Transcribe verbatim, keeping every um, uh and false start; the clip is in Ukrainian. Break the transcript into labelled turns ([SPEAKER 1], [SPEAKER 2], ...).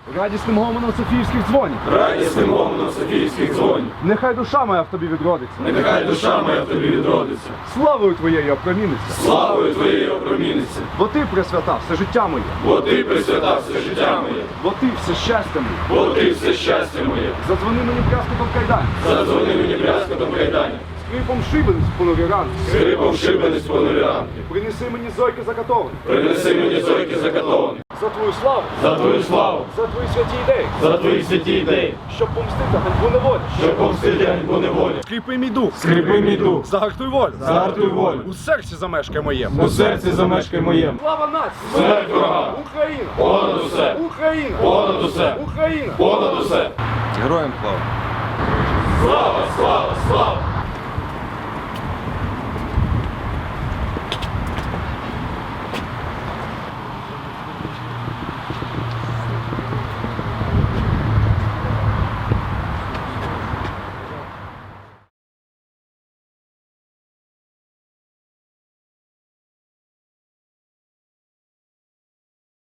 [SPEAKER 1] радісним гомоном Софіївських дзвонів.
[SPEAKER 2] Радісним гомоном Софіївських дзвонів.
[SPEAKER 1] Нехай душа моя в тобі відродиться.
[SPEAKER 2] Нехай душа моя в тобі відродиться.
[SPEAKER 1] Славою твоєю опроміниться.
[SPEAKER 2] Славою твоєю опроміниться.
[SPEAKER 1] Бо ти, Пресвята, все життя моє.
[SPEAKER 2] Бо ти присвята все життя моє.
[SPEAKER 1] Бо ти все щастя моє.
[SPEAKER 2] Бо ти все щастя моє.
[SPEAKER 1] Задзвони мені брязкотом кайдані.
[SPEAKER 2] Задзвони мені брязкотом кайдані.
[SPEAKER 1] Скрипом шибениць в понурі ранки.
[SPEAKER 2] Скрипом шибениць понурі ранки.
[SPEAKER 1] Принеси мені зойки закатовані.
[SPEAKER 2] Принеси мені зойки закатовані.
[SPEAKER 1] За твою славу.
[SPEAKER 2] За твою славу.
[SPEAKER 1] За твої святі ідеї.
[SPEAKER 2] За твої святі ідеї.
[SPEAKER 1] Щоб помстити ганьбу неволі.
[SPEAKER 2] Щоб помстити ганьбу неволі.
[SPEAKER 1] Скріпи мій дух.
[SPEAKER 2] Скріпи мій дух.
[SPEAKER 1] Загартуй волю.
[SPEAKER 2] Загартуй волю.
[SPEAKER 1] У серці замешкай моєму.
[SPEAKER 2] У серці замешкай моєму.
[SPEAKER 1] Слава нації.
[SPEAKER 2] Смерть ворогам.
[SPEAKER 1] Україна.
[SPEAKER 2] Понад усе.
[SPEAKER 1] Україна.
[SPEAKER 2] Понад усе.
[SPEAKER 1] Україна.
[SPEAKER 2] Понад усе.
[SPEAKER 1] Героям слава.
[SPEAKER 2] Слава, слава, слава.